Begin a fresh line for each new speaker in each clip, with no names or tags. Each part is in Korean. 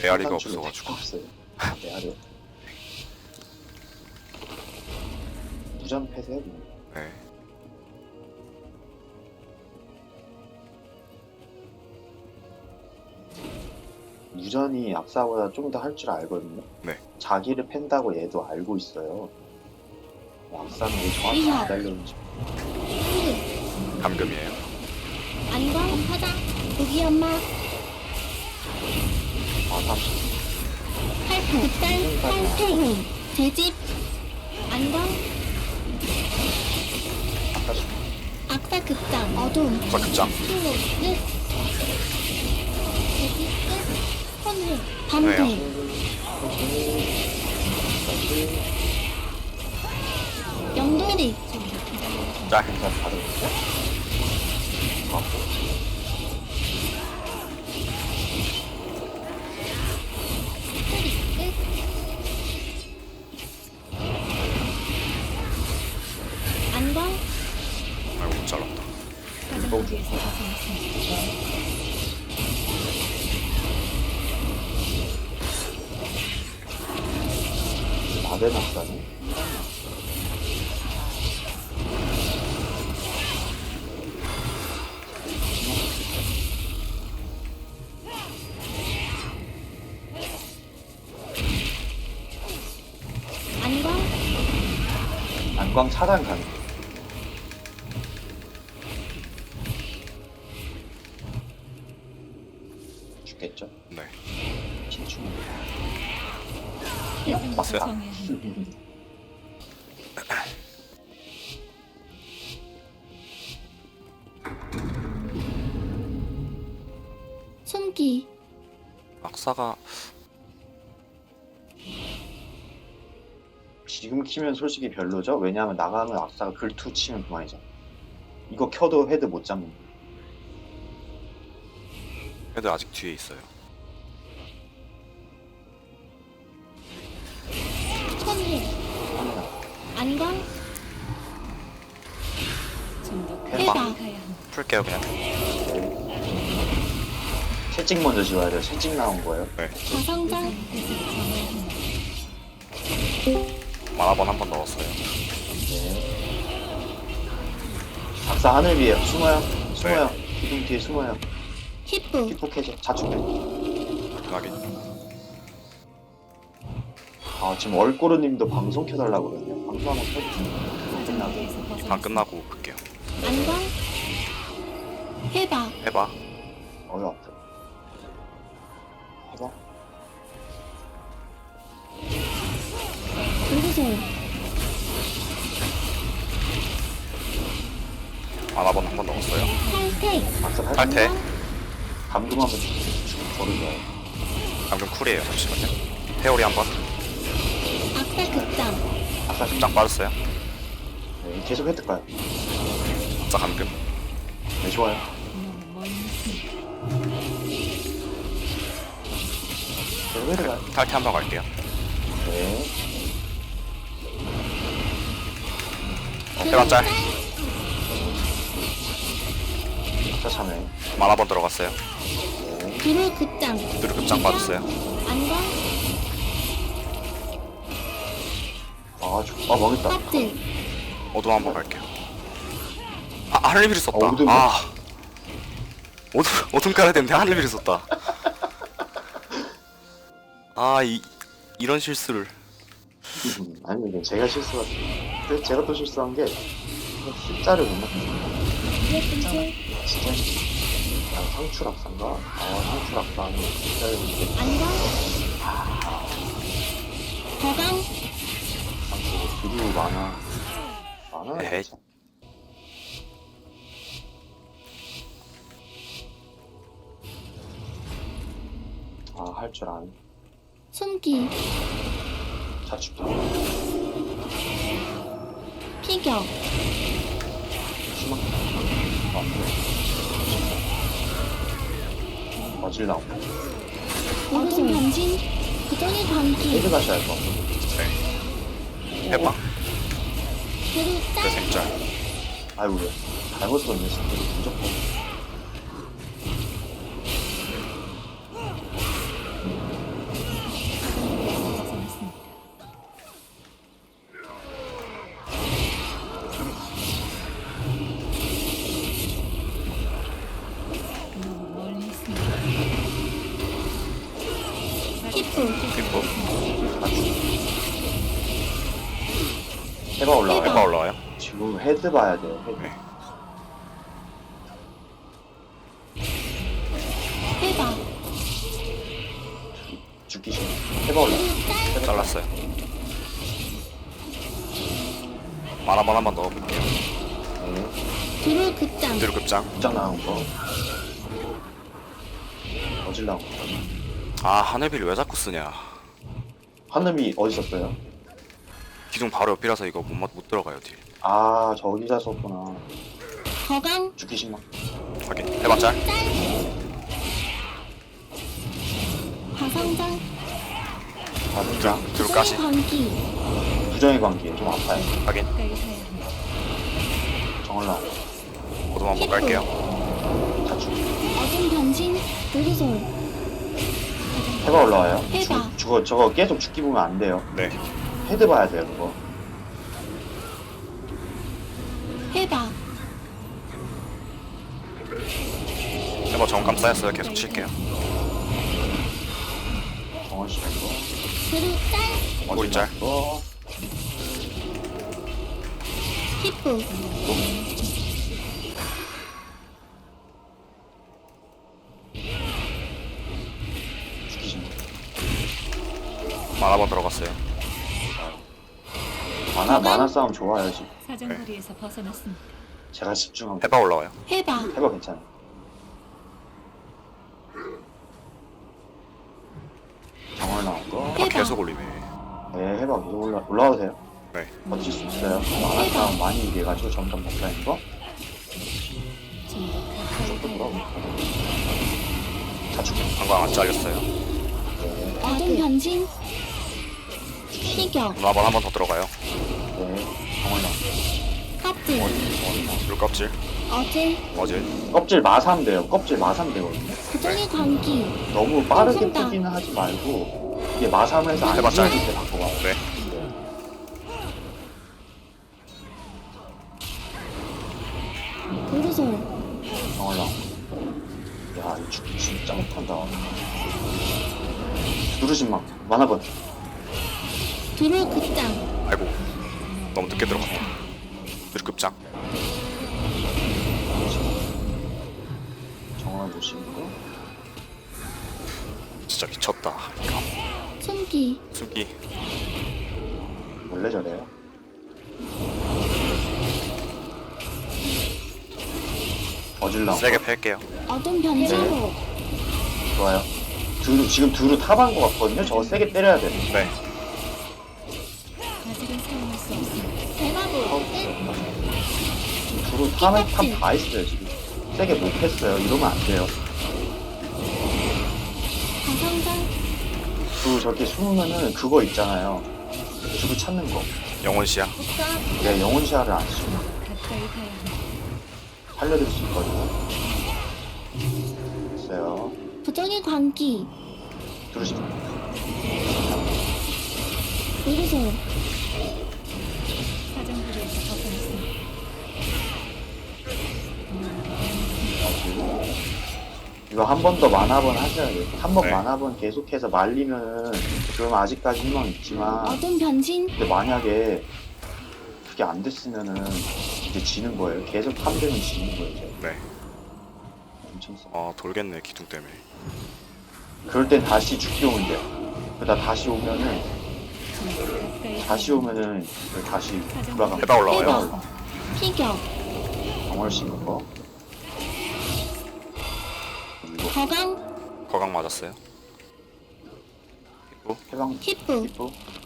메아리가
상단줄로
없어가지고.
없어요. 메아리. 무전 폐쇄.
네.
무전이 악사보다 좀 더 할 줄 알거든요.
네.
자기를 팬다고 얘도 알고 있어요. 악사는 왜 정확히 안 달렸는지.
감금이에요.
안광 화장 고기 엄마
아, 30.
팔팔 팔팽 제집 안광
아까
악사 극장 어둠
자, 급장.
수호 끝 제집 끝 혼회 밤새 영도리
짤.
인사 받을
안광
아이고, 못 잘랐다.
나대 낙사네.
안광
안광 차단 가능. 죽겠죠?
네.
진충.
봤어요?
숨기
악사가
지금 키면 솔직히 별로죠? 왜냐하면 나가면 악사가 글투 치면 그만이잖아. 이거 켜도 헤드 못 잡는 거.
헤드 아직 뒤에 있어요.
혼회
카메라.
안광
해봐.
해봐
풀게요, 그냥.
채찍 먼저 지워야 돼요. 채찍 나온 거예요.
네.
가성장
만화번 한 번 넣었어요.
네. 악사 하늘 위에 숨어요. 숨어요. 기둥 뒤에 숨어요.
히프
피폭해줘. 자축해.
확인.
아 지금 얼꼬르님도 방송 켜달라고 그러네요. 방송 한번 켜주세요. 끝나고.
방 끝나고 볼게요.
안광 해봐
해봐.
어여 아파. 해봐.
우르솔
만화번 한 번 넣었어요.
탈퇴
악사 팔.
탈퇴.
감금 한번 주고 버리죠.
방금 쿨이에요. 잠시만요. 회오리 한 번.
악사 극장
악사 좀.
딱 빠졌어요.
네, 계속 획득 가요.
악사 감금.
네 좋아요. 계속 획득 가요.
탈퇴 한 번 갈게요.
네.
해봐, 짤.
악사 참여.
만화번 들어갔어요.
네.
두루 극장
누르 급장 빠졌어요.
안광
아 망했다.
껍질
어둠 한 번 갈게요. 아, 하늘비를 썼다.
어둠.
아. 어둠 깔아야 되는데 하늘비를 썼다. 아, 이런 실수를.
아니 이게 제가 실수가. 근데 제가 또 실수한 게 숫자를 못 맞췄어요.
예쁜줄
진짜 아, 상추락사인가? 아 상추락사 숫자를 못 맞췄어요.
안광 거강
상추 두루 많아
에헤이.
진짜. 아 할 줄 아네.
숨기
자축도
피격
심한 어질 나온다.
어둠 변신 부정의 광기
헤드 가셔야 할 것 같아.
네. 해봐.
두루
내
짤
생짤.
아이고 왜 잘못 썼네 진짜 무조건.
뒷부.
해봐 올라와요.
해봐 올라와요.
지금 헤드 봐야 돼요. 헤드.
네.
해봐.
죽기 싫어. 해봐 올라.
두루 짤.
잘랐어요. 만화만 한번 넣어볼게요.
네.
두루 극장.
뒤로 급장.
극장 나온 거. 어질 나온 거.
아 하늘비를 왜 자꾸 쓰냐.
하늘이 어디 있었어요?
기둥 바로 옆이라서 이거 못 들어가요 딜.
아 저기다 썼구나.
거강.
죽기 싫어.
확인. 해봐 짤.
짤. 화성장.
가슴장.
뒤로 까시.
관기.
부정의 관계 좀 아파요.
확인.
정을 나온 거.
모두 한번 깔게요.
다 죽.
어둠 변신. 도르솔.
해봐 올라와요.
해봐.
저거 계속 죽기 보면 안 돼요.
네.
헤드 봐야 돼요 그거.
해봐.
해봐 정감 쌓였어요. 계속 칠게요.
정을 씌운 거.
두루 짤.
꼬리 짤.
거.
히프.
죽기 싫어.
만화 번 들어갔어요.
만화 싸움 좋아요 지금.
사정거리에서 벗어났습니다.
제가 집중하고.
해봐 올라와요.
해봐.
해봐 괜찮아. 정을 나온 거.
아,
해봐.
계속 올리네.
네 해봐 계속 올라와도 돼요.
네.
버틸 수 있어요. 만화 싸움 많이 이겨가지고 점점 못하는 거.
좀더 가까이
조금
가야
더. 다 죽여.
방광 안 잘렸어요.
네.
어둠 변신. 피격.
만화 번 한 번 더 들어가요.
네. 정을 나온 거.
껍질.
뒤로 껍질.
어질.
어질.
껍질 마삼 돼요. 껍질 마삼 되거든요.
부정의 관기.
너무 빠르게
손다.
푸기는 하지 말고 이게 마삼을 해서 안
해봤자.
지워질 때 바꿔봐.
네.
도르솔.
정을 나온 거. 야, 이 죽기 진짜 못한다. 누르신막 만화번.
두루 극장.
아이고. 너무 늦게 들어갔다. 뒤로 급장.
정을 보시는 거.
진짜 미쳤다. 이거.
숨기.
숨기.
원래 저래요. 어질 나온 거.
세게 팰게요.
어둠 변신호.
좋아요. 지금 두루 탑한 거 같거든요. 저거 세게 때려야 돼.
네.
아직은 사용할 수 없습니다.
대마보.
두루 탑다 했어요 지금. 세게 못했어요. 이러면 안 돼요.
가성장.
두루 저렇게 숨으면은 그거 있잖아요. 두루 찾는 거.
영혼시야.
국가.
내 영혼 시야를 안 쓰면
가까이 가야 합니다.
살려드릴 수 있거든요. 됐어요.
부정의 관기.
두루시면
도르솔.
사정거리에서 벗어났습니다.
이거 한 번 더 만화번 하셔야 돼요. 한 번
네.
만화번 계속해서 말리면은 그럼 아직까지 희망 있지만
어둠 변신.
근데 만약에 그게 안 됐으면은 이제 지는 거예요. 계속 탐되면 지는 거예요. 이제.
네.
엄청 세.
돌겠네 기둥 때문에.
그럴 땐 다시 죽기 오면 돼요. 그러다 다시 오면은 다시 돌아가면
해봐 올라와요.
해봐. 피격.
정월 씌는 거. 그리고
거강.
거강 맞았어요. 그리고
해방
히프.
기프.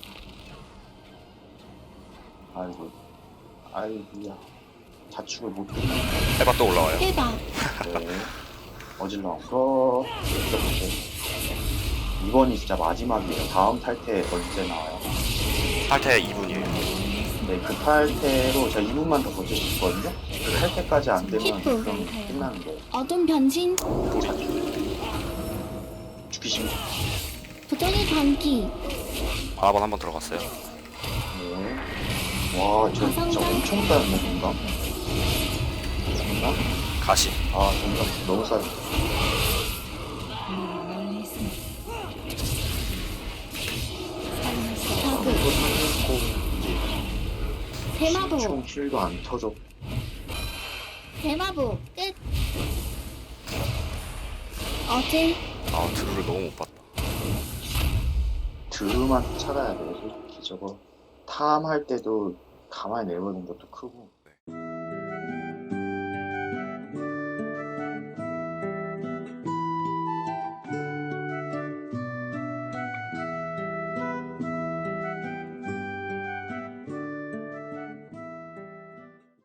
아이고야. 자축을 못 듣네.
해봐 또 올라와요.
해봐.
네. 어질러 거. 이렇게. 이번이 진짜 마지막이에요. 다음 탈퇴 언제 나와요?
탈퇴 2분이에요.
네, 그 탈퇴로 제가 2분만 더 버틸 수 있거든요. 그 탈퇴까지 안 되면
히프.
그럼 끝나는 거예요.
어둠 변신.
죽기 싫어.
부정의 관기.
만화 번 한 번 들어갔어요.
네. 와, 저 진짜 엄청 쌓였네, 공감. 공감?
가시.
아, 공감 너무 쌓였어.
멀리 있습니다.
대마보.
총 킬도 안 터져.
대마보 끝. 어제
아 드루를 너무 못 봤다.
드루만 찾아야 돼. 솔직히 저거 탐할 때도 가만히 내보는 것도 크고.